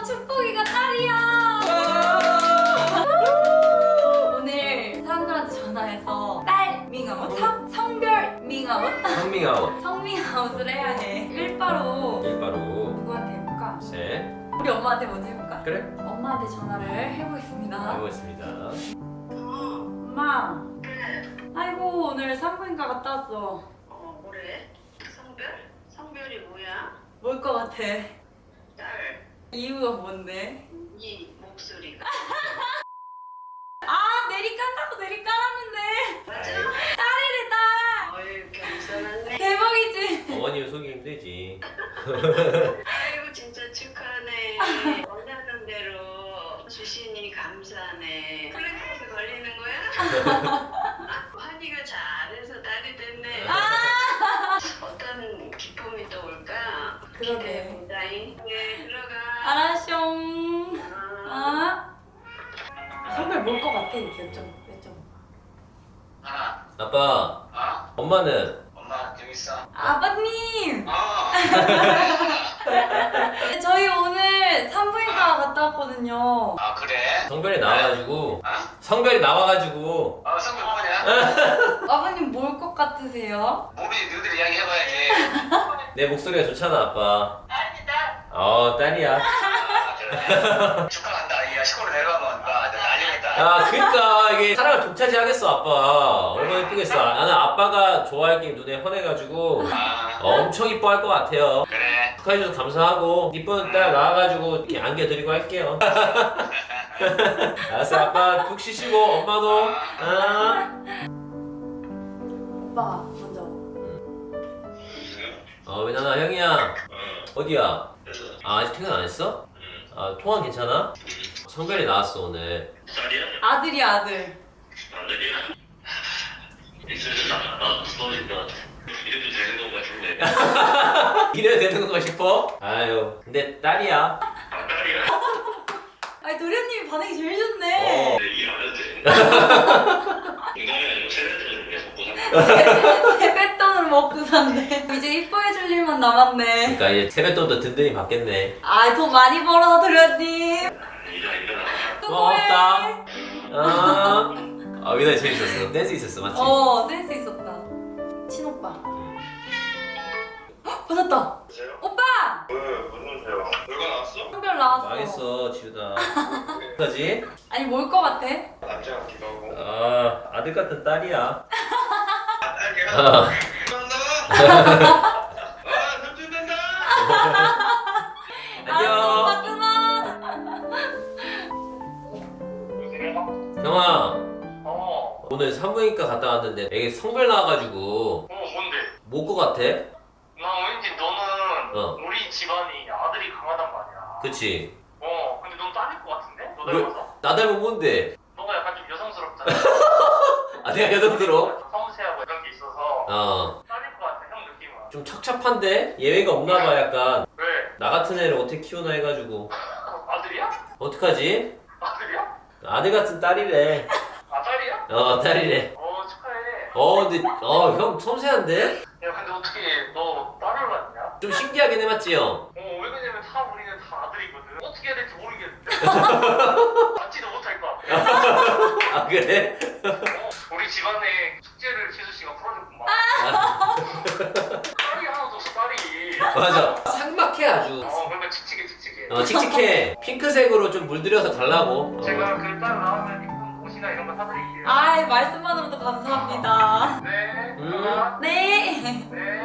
축복이가 딸이야. 오늘 사람들한테 전화해서 딸 밍아웃, 성별 밍아웃, 성밍아웃. 성밍아웃을 해야 해. 일바로 일바로. 누구한테 해볼까? 셋. 우리 엄마한테 먼저 해볼까? 그래. 엄마한테 전화를 해보겠습니다. 해보겠습니다. 엄마. 아이고 오늘 산부인과 갔다 왔어. 뭐래? 성별? 성별이 뭐야? 뭘 것 같아? 딸, 이유가 뭔데? 이 목소리가. 아 내리 깐다고 내리 깔았는데 맞아? 딸이래 딸. 어휴, 겸손하네. 대박이지? 어머님 속이 힘들지. 아이고, 진짜 축하하네. 원하는 대로 주시니 감사하네. 플랫폼에 걸리는 거야? 환희가 잘해서 딸이 됐네. 어떤 기쁨이 또 올까? 그러게. 기대된다잉. 네, 들어가. 알았숑. 아. 아? 성별 뭘 것 같아? 이렇게 여쭤봐. 하나, 아빠. 엄마는? 엄마 여기 있어. 아버님! 아, 저희 오늘 산부인과 갔다 왔거든요. 아 그래? 성별이 나와가지고. 아, 성별이 나와가지고. 성별 뭐냐? 아버님 뭘 것 같으세요? 모르지, 너희들 이야기 해봐야지. 내 목소리가 좋잖아 아빠. 딸이다. 딸이야. 아, 그래. 축하한다. 이 시골로 내려가면 알리겠다. 아 그니까 이게 사랑을 독차지하겠어 아빠. 얼마나 이쁘겠어. 나는 아빠가 좋아할 게 눈에 환해가지고 아, 엄청 이뻐할 것 같아요. 그래. 축하해줘서 감사하고 이쁜 딸 나와가지고 이렇게 안겨드리고 할게요. 알았어 아빠 푹 쉬시고 엄마도. 오빠 먼저. 왜냐나 형이야. 어디야? 아직 퇴근 안 했어? 통화 괜찮아? 성별이 나왔어 오늘. 딸이야? 아들이야 아들. 아들이야? 있으면 나도 스토리인 것 같아. 이래도 되는 것 같은데. 이래야 되는 거 싶어? 아유 근데 딸이야. 아, 딸이야? 아니 도련님이 반응이 제일 좋네. 일하면 돼. 인간이 아니고 세대들은 계속 보상. 세뱃돈을 먹고 산대. 이제 이뻐해줄 일만 남았네. 그러니까 이제 세뱃돈도 든든히 받겠네. 아 돈 많이 벌어 도련님. 일하니까. 고맙다. 위나 재밌었어. 댄스 있었어 맞지? 센스 있었다. 친오빠. 헉, 받았다. 보세요. 오빠! 무슨 소리야? 결과 나왔어? 성별 나왔어. 망했어 지우다. 어떡하지? 아니 뭘 것 같아? 남자 같기도 하고. 아들 같은 딸이야. 딸이야? 어. 감사합니다. 삼촌 된다. 알았어, 오빠 안녕. 끊어. 여보세요? 형아 어. 오늘 산부인과 갔다 왔는데 애기 성별 나와가지고 뭔데? 뭐 것 같아? 나 왠지 너는 어. 우리 집안이 아들이 강하단 말이야. 그치? 근데 넌 딸일 것 같은데? 너 왜? 닮아서? 나 닮은 뭔데? 너가 약간 좀 여성스럽잖아. 내가 여성스러워? 섬세하고 이런 게 있어서 딸일 것 같아, 형 느낌은. 좀 척척한데? 예외가 없나봐 약간. 왜? 나 같은 애를 어떻게 키우나 해가지고 아들이야? 어떡하지? 아들이야? 아들 같은 딸이래. 아, 딸이야? 딸이래. 축하해. 근데 형 섬세한데? 야, 근데 어떻게 너 딸을 낳냐? 좀 신기하긴 해 맞지 형? 왜 그러냐면 우리는 다 아들이거든. 어떻게 해야 될지 모르겠는데. 낳지도 못할 것 같아. 아 그래? 우리 집안의 숙제를 지수 씨가 풀어줬구만. 딸이 하나도 없어, 딸이. 맞아. 삭막해 아주. 그러니까 칙칙해. 칙칙해. 핑크색으로 좀 물들여서 달라고. 제가 그 딸 나오면 입은 옷이나 이런 거 사드릴게요. 아이 말씀만으로도 감사합니다. 네. 음. 네. 네.